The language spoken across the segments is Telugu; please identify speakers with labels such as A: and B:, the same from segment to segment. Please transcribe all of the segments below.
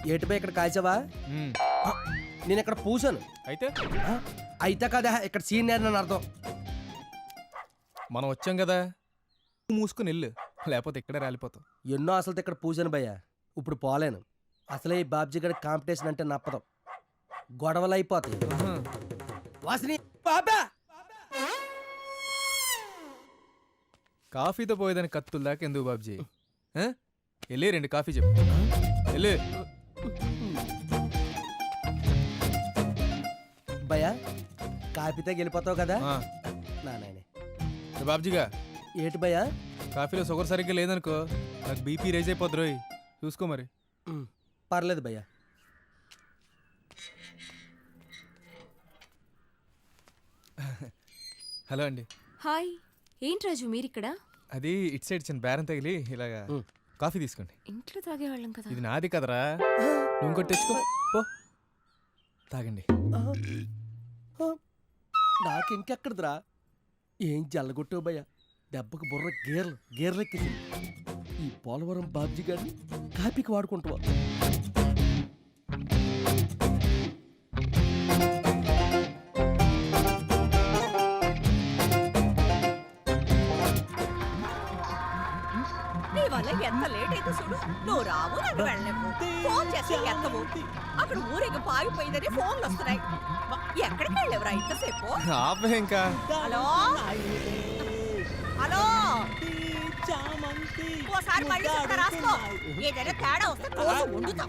A: ఏటిపై ఇక్కడ కాల్చావా? నేను ఇక్కడ పూసాను. అయితే కదా ఇక్కడ సీనియర్ అని అర్థం.
B: మనం వచ్చాం కదా, మూసుకుని వెళ్ళు, లేకపోతే ఇక్కడే రాలిపోతాం.
A: ఎన్నో అసలు ఇక్కడ పూసాను భయ్య. ఇప్పుడు పోలేను. అసలే ఈ బాబ్జీ గడి కాంపిటీషన్ అంటే నప్పదు. గొడవలు అయిపోతాయి. వాసిని బాబా
B: కాఫీతో పోయేదాన్ని కత్తుల దాకా ఎందుకు బాబ్జీ? వెళ్ళి 2 కాఫీ చెప్పు. వెళ్ళి
A: భయ్యా కాఫీతో గెలిపోతావు కదా నాయనే.
B: బాబ్జీగా
A: ఏటి భయ్యా?
B: కాఫీలో షుగర్ సరిగ్గా లేదనుకో, నాకు బీపీ రైజ్ అయిపోద్ది రోయ్, చూసుకో మరి.
A: పర్లేదు భయ్యా.
B: హలో అండి.
C: హాయ్. ఏంటి రాజు మీరిక్కడ?
B: అది ఇటు సైడ్ చిన్న బేరం తగిలి ఇలాగా. కాఫీ తీసుకోండి.
C: ఇంట్లో తాగేవాళ్ళం కదా.
B: ఇది నాది కదరా, నువ్వు ఇంకోటి తెచ్చుకో పో, తాగండి.
A: నాకు ఇంకెక్కడదిరా. ఏం జల్లగొట్టావు భయ్యా, దెబ్బకు బుర్ర గేర్లెక్కింది. ఈ పోలవరం బాబ్జీ గారిని కాపీకి వాడుకుంటావా?
D: ఎంత లేట్ అయితే చూడు, నువ్వు రావు, నన్ను వెళ్ళలేవు. ఫోన్ చేస్తే ఎత్తవు. అక్కడ ఊరేగి పాగిపోయిందని ఫోన్లు వస్తున్నాయి. ఎక్కడికి వెళ్ళేవరా ఇంతసేపు?
B: ఇంకా
D: హలో హలో, ఓసారి మళ్ళీ చెప్తా రాసుకో. ఏదైనా తేడా వస్తే కోసి వండుతాం.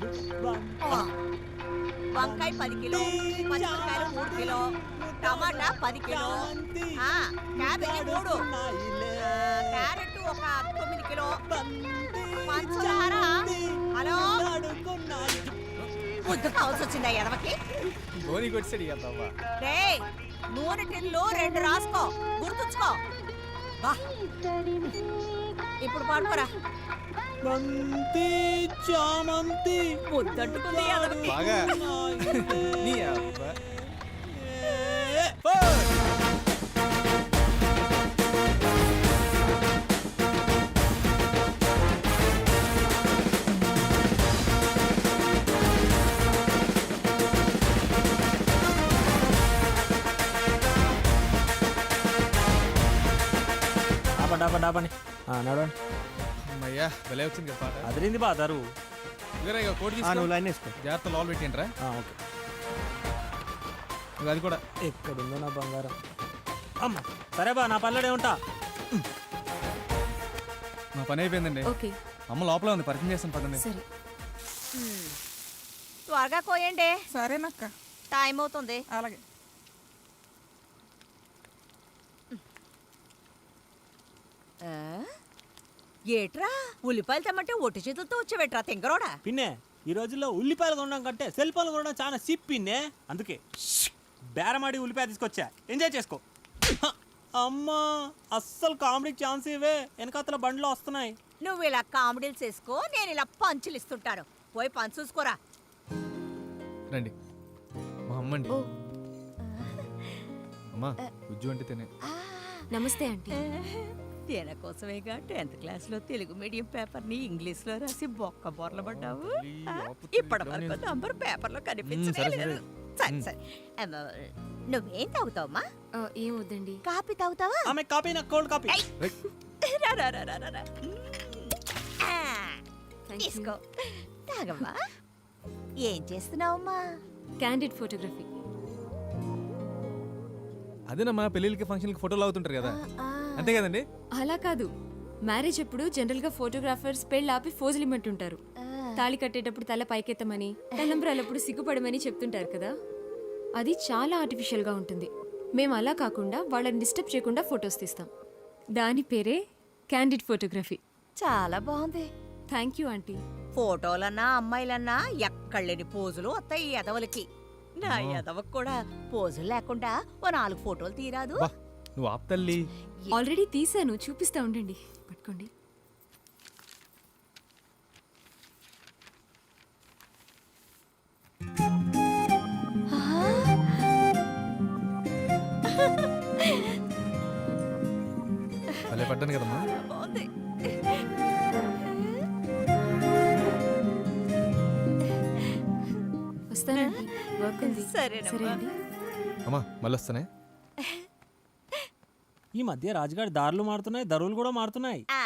D: వంకాయ 10 కిలో, పచ్చిమిరకాయలు 3 కిలో, టమాటా 10 కిలో, క్యాబేజీ 3, క్యారెట్ ఒక 9 కిలో, పంచదార. హలో ముద్దు కావాల్సి వచ్చిందా ఎదవకి? రే నూనె టిన్లు 2 రాసుకో, గుర్తుంచుకో. ఇప్పుడు పడుకోరా. ముద్దంటుకుంది ఎదవకి.
E: డాబని నడవండి.
B: అమ్మయ్యా భలే వచ్చింది కదా పాట.
E: అదిరింది బాదారు.
B: నువ్వు లైన్ వేసుకో, జాగ్రత్త లోపల పెట్టిండ్రా.
E: ఓకే,
B: అది కూడా
E: ఎక్కడుందో నా బంగారం. అమ్మ సరే బా, నా పల్లెడే ఉంటా.
B: మా పని అయిపోయిందండి.
C: ఓకే,
B: అమ్మ లోపల ఉంది, పరిచయం చేస్తాను పదండి.
C: సరే.
D: త్వరగా కోయండి.
F: సరేనక్క,
D: టైం అవుతుంది.
F: అలాగే.
D: ఏట్రా ఉల్లిపాయలు తెమ్మంటే ఒట్టి చేతులతో వచ్చేవేట్రా తింగరోడా?
E: పిన్నే ఈ రోజుల్లో ఉల్లిపాయలు కొనడం కంటే సెల్ ఫోన్లు కొనడం చాలా సిప్ పిన్నే. అందుకే బేరమాడి ఉల్లిపాయ తీసుకొచ్చా, ఎంజాయ్ చేసుకో. అమ్మా అస్సలు కామెడీకి ఛాన్స్ ఇవే, వెనకాతల బండ్లో వస్తున్నాయి.
D: నువ్వు ఇలా కామెడీలు చేసుకో, నేను ఇలా పంచులు ఇస్తుంటాను. పోయి పంచు చూసుకోరా.
B: రండి, మా అమ్మండి. అమ్మా ఉజ్జు అంటే తినే.
C: నమస్తే ఆంటీ.
D: తేన కోసమేగా 10th క్లాస్లో తెలుగు మీడియం పేపర్ని ఇంగ్లీష్లో రాసి బొక్క బొర్ల పడ్డావు. ఇప్పటి వరకు నంబర్ పేపర్లో కనిపించలేదు. సరే సరే, నువ్వేం తాగుతావమ్మా?
C: ఏం వద్దండి.
D: కాఫీ తాగుతావా?
E: ఆమె కాపీ, నాకు కోల్డ్ కాపీ.
D: తీసుకో, తాగమ్మా. ఏం చేస్తున్నావమ్మా?
C: Candid photography.
B: అదేనమ్మా, పెళ్ళిళ్ళకి ఫంక్షన్కి ఫోటోలు అవుతుంటారు కదా, అంతే కదండి?
C: అలా కాదు, మ్యారేజ్ అప్పుడు జనరల్ గా ఫోటోగ్రాఫర్స్ పెళ్ళి ఆపి ఫోజులు ఇమ్మంటుంటారు. తాళి కట్టేటప్పుడు తల పైకెత్తమని, తలంబ్రాలప్పుడు సిగ్గుపడమని చెప్తుంటారు కదా. అది చాలా ఆర్టిఫిషియల్ గా ఉంటుంది. మేము అలా కాకుండా వాళ్ళని డిస్టర్బ్ చేయకుండా ఫొటోస్ తీస్తాం. దాని పేరే క్యాండిడ్ ఫోటోగ్రఫీ.
D: చాలా బాగుంది.
C: Thank you aunty.
D: ఫోటోలన్నా అమ్మాయిలన్నా ఎక్కడలేని పోజులు వస్తాయి ఈ ఎదవలకి. నా ఎదవకు కూడా పోజులు లేకుండా ఓ 4 ఫోటోలు తీరాదు.
B: నువ్వు ఆప్తల్లి.
C: ఆల్రెడీ తీసాను, చూపిస్తా ఉండండి. పట్టుకోండి.
B: భలే పడ్డాను కదమ్మా.
D: బాగుంది.
C: వస్తానండి వర్క్ ఉంది
D: సరేనమ్మా.
C: సరే అండి
B: అమ్మా మళ్ళీ వస్తానే.
E: ఈ మధ్య రాజుగారి దారులు మారుతున్నాయి, ధరలు కూడా మారుతున్నాయి.